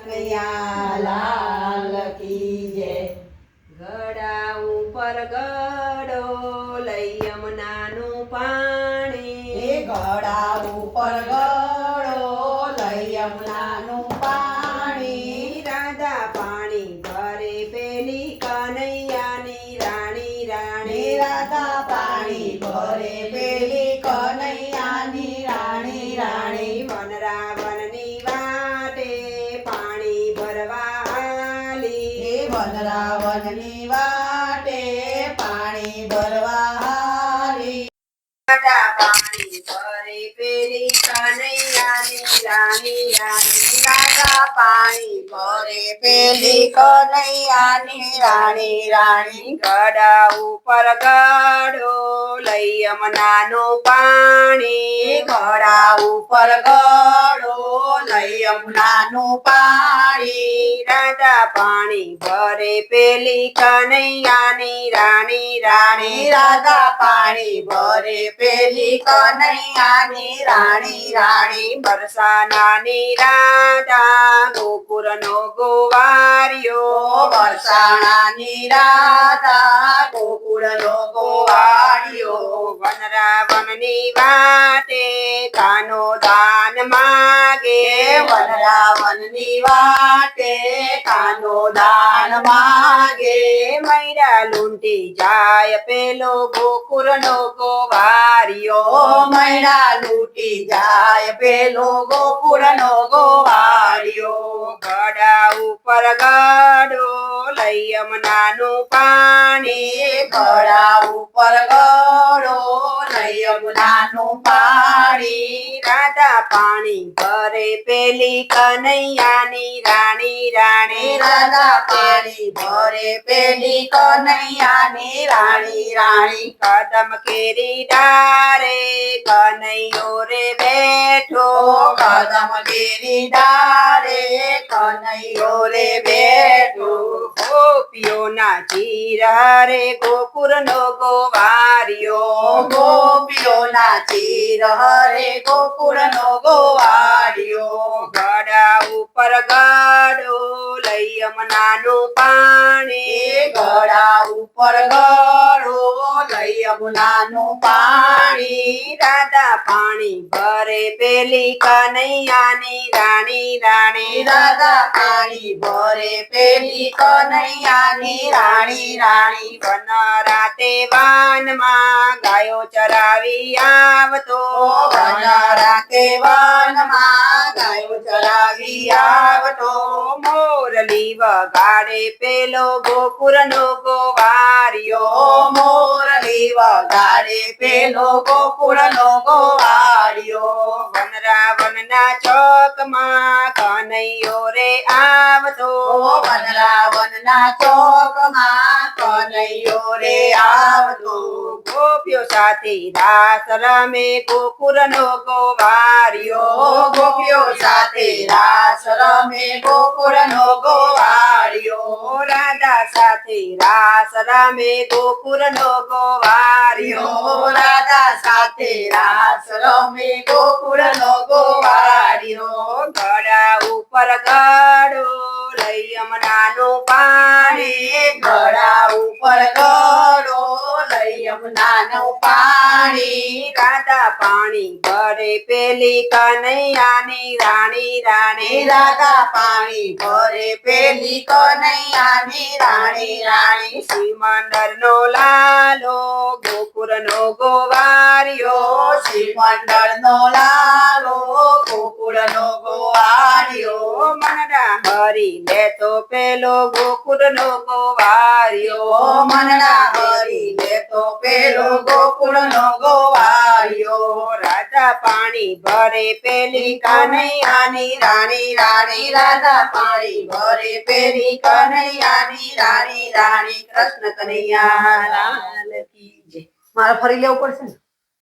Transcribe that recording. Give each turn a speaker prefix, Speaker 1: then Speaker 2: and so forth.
Speaker 1: કનૈયા લાલ કી જય।
Speaker 2: ગળા ઉપર ગળો લઈ યમુનાનું પાણી,
Speaker 1: ગળા ઉપર ગળો લઈ યમુનાનું પાણી,
Speaker 2: રાધા પાણી ભરે પેલી કનૈયાની રાણી રાણી,
Speaker 1: રાધા પાણી ભરે પેલી કનૈયાની રાણી રાણી,
Speaker 2: વનરાવનની વાટે પાણી ભરવા હાલી,
Speaker 1: વનરાવનની વાટે પાણી ભરવા હાલી,
Speaker 2: રાધા પાણી ભરે પેલી કનૈયાની રાણી રાણી,
Speaker 1: રાધા પાણી ભરે પેલી કનૈયાની રાણી રાણી,
Speaker 2: ગળા ઉપર ગળો લઈ યમુનાનું પાણી,
Speaker 1: ગળા ઉપર ગળો લઈ યમુનાનું પાણી,
Speaker 2: રાધા પાણી ભરે પેલી કનૈયાની રાણી રાણી,
Speaker 1: રાધા પાણી ભરે પેલી કનૈયાની રાણી રાણી,
Speaker 2: બરસાનાની રાધા ગોકુળનો ગોવારિયો,
Speaker 1: વરસાણાની રાધા ગોકુળનો ગોવાળિયો,
Speaker 2: વનરાવનની વાટે કાનો દાન માગે,
Speaker 1: વનરાવનની વાટે કાનો દાન માગે,
Speaker 2: મૈરા લૂંટી જાય પેલો ગોકુળનો ગોવારિયો,
Speaker 1: મૈણા લૂટી જાય પેલો ગોકુળનો ગોવાળિયો,
Speaker 2: ગળા ઉપર ગળો લઈ યમુનાનું પાણી,
Speaker 1: ગળા ઉપર ગળો લઈ યમુનાનું પાણી,
Speaker 2: રાધા પાણી ભરે પેલી કનૈયાની રાણી રાણી,
Speaker 1: રાધા પાણી ભરે પેલી કનૈયાની રાણી રાણી,
Speaker 2: કદમ કેરી ડારે કનૈયો રે બેઠો,
Speaker 1: કદમ કેરી ડાળે કનૈયો રે બેઠો,
Speaker 2: ગોપીઓના ચીર હરે ગોકુળનો ગોવારિયો,
Speaker 1: ગોપીઓના ચીર હરે ગોકુળનો ગોવાળિયો,
Speaker 2: ગળા ઉપર ગળો લઈ યમુનાનું પાણી,
Speaker 1: ગળા ઉપર ગળો લઈ યમુનાનું પાણી,
Speaker 2: રાધા પાણી ભરે પેલી કનૈયાની રાણી રાણી,
Speaker 1: રાધા પાણી ભરે પેલી કનૈયાની રાણી રાણી,
Speaker 2: વન રાતે વાનમાં ગાયો ચરાવી આવતો,
Speaker 1: વન રાતે વનમાં ગાયો ચરાવી આવતો,
Speaker 2: મોરલી વગાડે પેલો ગોકુળનો ગોવારિયો,
Speaker 1: મોરલી વગાડે પેલો ગોકુળનો ગોવાળિયો,
Speaker 2: વનરાવનના ચોકમાં કનૈયો રે આવતો,
Speaker 1: વનરાવનના ચોકમાં કનૈયો રે આવતો,
Speaker 2: ગોપીઓ સાથે રાસ રમે ગોકુળનો ગોવારિયો,
Speaker 1: ગોપીઓ સાથે રાસ રમે ગોકુળનો ગોવાળિયો,
Speaker 2: રાધા સાથે રાસ રમે ગોકુળનો ગોવારિયો,
Speaker 1: રાધા સાથે રાસ રમે ગોકુળનો ગોવાળિયો,
Speaker 2: ગળા ઉપર ગળો લઈ યમુનાનું પાણી,
Speaker 1: ગળા ઉપર ગળો લઈ યમુનાનું પાણી,
Speaker 2: રાધા પાણી ભરે પેલી કનૈયાની રાણી રાણી,
Speaker 1: રાધા પાણી ભરે પેલી કનૈયાની રાણી રાણી,
Speaker 2: શ્રીમંદરનો લાલો ગોકુળનો ગોવારિયો,
Speaker 1: શ્રીમંડળનો લાલો ગોકુળનો ગોવાળિયો,
Speaker 2: મનડા હરી લેતો પેલો ગોકુળનો ગોવારિયો,
Speaker 1: મનડા હરી લેતો પેલો ગોકુળનો ગોવાળિયો,
Speaker 2: રાધા પાણી ભરે પેલી કનૈયાની રાણી રાણી,
Speaker 1: રાધા પાણી ભરે પેલી કનૈયાની રાણી રાણી, કૃષ્ણ કનૈયા લાલ કી જય। મારે ફરી લેવું પડશે ને।